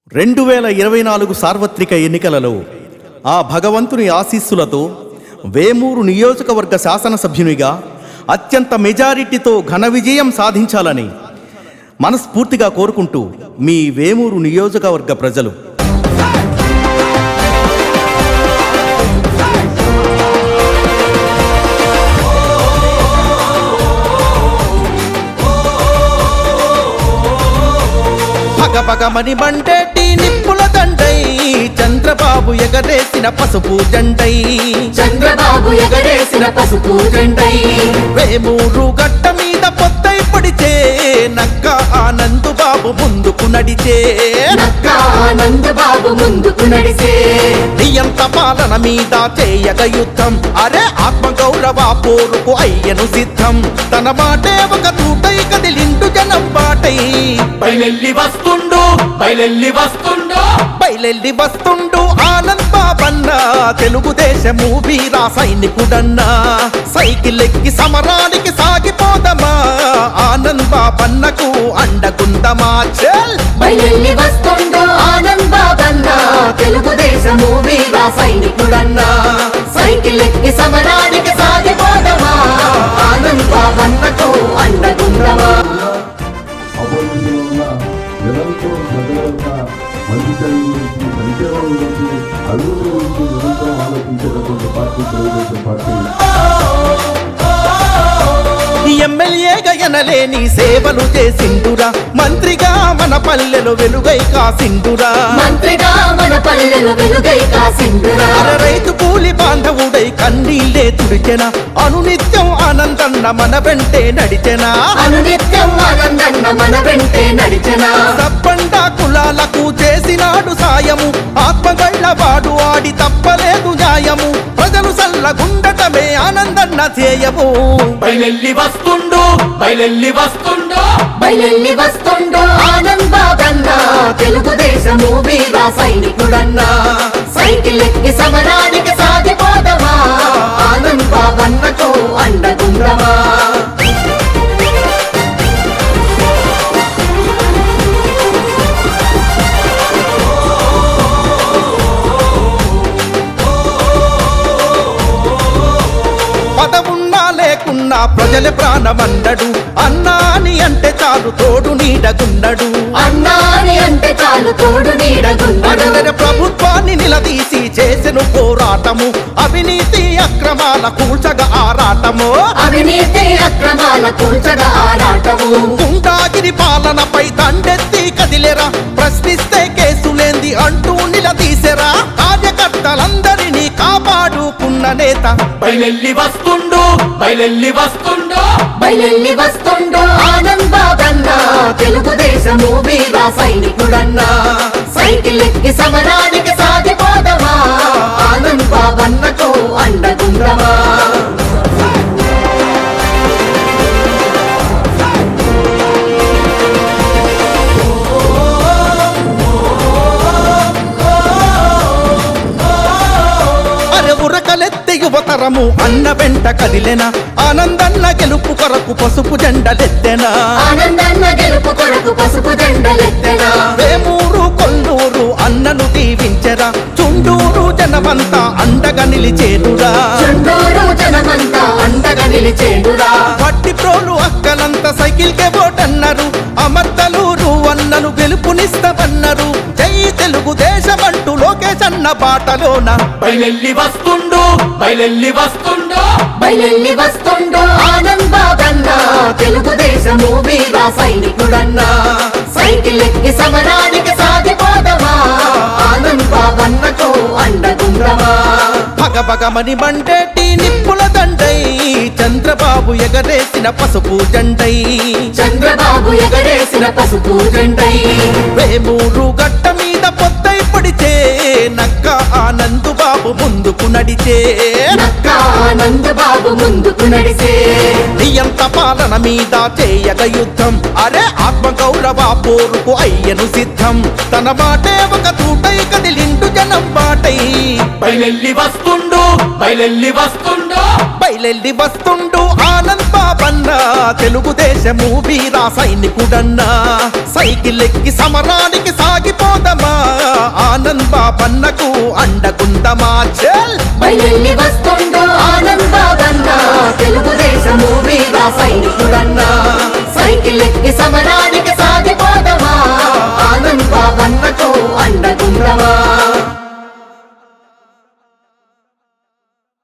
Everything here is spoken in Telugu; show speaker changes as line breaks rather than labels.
2024 సార్వత్రిక ఎన్నికలలో ఆ భగవంతుని ఆశీస్సులతో వేమూరు నియోజకవర్గ శాసనసభ్యునిగా అత్యంత మెజారిటీతో ఘన విజయం సాధించాలని మనస్ఫూర్తిగా కోరుకుంటూ మీ వేమూరు నియోజకవర్గ ప్రజలు. భగభగమని మండేటి నిప్పుల దండై చంద్రబాబు ఎగరేసిన పసుపు జెండై,
చంద్రబాబు ఎగరేసిన పసుపు జెండై,
వేమూరు గట్ట మీద పొత్తై పడితే నక్క ఆనంద్ బాబు ముందుకు నడిచే,
నక్క ఆనంద్ బాబు ముందుకు నడిసే,
నియంత పాలన మీద చేయగ యుద్ధం, అరే ఆత్మగౌరవ పోరుకు అయ్యను సిద్ధం, తన మాటే ఒక తూటై కదిలిండు జనం బాటై,
బయలెల్లి వస్తుండు బయలెల్లి వస్తుండు
బయలెల్లి వస్తుండు ఆనంద్ బాబన్న, తెలుగుదేశము వీరా సైనికుడన్నా, సైకిల్ ఎక్కి సమరానికి సాగిపోదమా, ఆనంద్ బాబన్నకు అండగుందమా. చల్
బయలెల్లి వస్తుండు ఆనంద్ బాబన్న, తెలుగుదేశము వీరా సైనికుడన్నా, సైకిల్ ఎక్కి సమరానికి సాగిపోదమా, ఆనంద్ బాబన్నకు అండగుందమా.
నిరంతరం ప్రజలంతా మంచి చదువు గురించి, సంక్షేమం గురించి, అభివృద్ధి గురించి నిరంతరం ఆలోచించేటటువంటి పార్టీ తెలుగుదేశం పార్టీ.
ఎమ్మెల్యేగా ఎనలేని సేవలు చేసిండురా, మంత్రిగా మన పల్లెలు వెలుగై కాసిండురా,
మంత్రిగా మన పల్లెలు వెలుగై కాసిండురా,
రైతు కూలి బాంధవుడై కన్నీళ్ళే తుడిచెన, అనునిత్యం ఆనందన్న మన వెంటే నడిచెనా,
అనునిత్యం ఆనందన్న మన వెంటే నడిచెనా,
తప్పండ కులాలకు చేసినాడు సాయము, ఆత్మగళ్ళవాడు ఆడి తప్పలేదు న్యాయము, ప్రజలు సల్లగుండటమే ఆనందన్న ధ్యేయము.
బయలెల్లి వస్తుండు బయలెల్లి వస్తుండు బయలెల్లి వస్తుండు ఆనంద్ బాబన్న, తెలుగుదేశము వీరా సైనికుడన్నా, సైకిల్ ఎక్కి సమరానికి సాగిపోదమా, ఆనంద్ బాబన్నకు అండగుందమా.
పదవున్నా లేకున్నా ప్రజల ప్రాణమన్నడు, అన్నా అని అంటే చాలు తోడు నీడగున్నడు,
అన్నాని అంటే చాలు తోడు నీడగున్నడు,
అడగర ప్రభుత్వాన్ని నిలదీసి చేసెను పోరాటము, అవినీతి అక్రమాల కూల్చగా ఆరాటము,
అవినీతి అక్రమాల కూల్చగా ఆరాటము,
గుండాగిరి పాలనపై దండెత్తి కదిలేరా, ప్రశ్నిస్తే కేసులేంది అంటూ నిలదీసెరా, కార్యకర్తలందరినీ కాపాడుకున్న నేత.
బయలెల్లి వస్తుండు బయలెల్లి వస్తుండు బయలెల్లి వస్తుండు ఆనంద్ బాబన్న, తెలుగుదేశము వీరా సైనికుడన్నా, సైకిల్ ఎక్కి సమరానికి సాగిపోదమా, ఆనంద్ బాబన్నకు అండగుందమా.
ఉరకలెత్తి యువతరము అన్న వెంట కదిలెన, ఆనందన్న గెలుపు కొరకు పసుపు జెండలెత్తెనా,
ఆనందన్న గెలుపు కొరకు పసుపు జెండలెత్తెనా,
వేమూరు కొల్లూరు అన్నను దీవించెరా, చుండూరు జనమంతా అండగా నిలిచేనురా,
చుండూరు జనమంతా అండగా నిలిచేనురా,
పట్టి ప్రోలు అక్కలంత సైకిల్ కే ఓటన్నారు, అమర్తలూరు అన్నను గెలుపునిస్తామన్నారు, జై తెలుగుదేశమంటూ లోకేష్ అన్న బాటలోన.
బయలెల్లి వస్తుండు బయలెల్లి వస్తుండు బయలెల్లి వస్తుండు ఆనంద్ బాబన్న, తెలుగుదేశము వీరా సైనికుడన్నా, సైకిల్ ఎక్కి సమరానికి సాగిపోదమా, ఆనంద్ బాబన్నకు అండగుందమా.
భగభగమని మండేటి నిప్పుల దండై చంద్రబాబు ఎగరేసిన పసుపు జెండై,
చంద్రబాబు ఎగరేసిన పసుపు జెండై,
వేమూరు గట్ట మీద పొత్తై పడితే నక్క ఆనంద్ బాబు ముందుకు నడిచే,
నక్క ఆనంద్ బాబు ముందుకు నడిసే,
నియంత పాలన మీద చేయగ యుద్ధం, అరే ఆత్మగౌరవ పోరుకు అయ్యను సిద్ధం, తన మాటే ఒక తూటై కదిలిండు జనం బాటై,
బయలెల్లి వస్తుండు బయలెల్లి వస్తుండు
బయలెల్లి వస్తుండు ఆనంద్ బాబన్న, తెలుగుదేశము వీరా సైనికుడన్నా, సైకిల్ ఎక్కి సమరానికి సాగిపోదమా, బాబన్నకు అండగుండమా చెల్
బయలెల్లి వస్తుండో ఆనంద్ బాబన్న తెలుగుదేశము వీర సైనికుడన్నా సైకిల్ ఎక్కి సమరానికి సాగిపోదమా ఆనంద్ బాబన్నకు అండగుండమా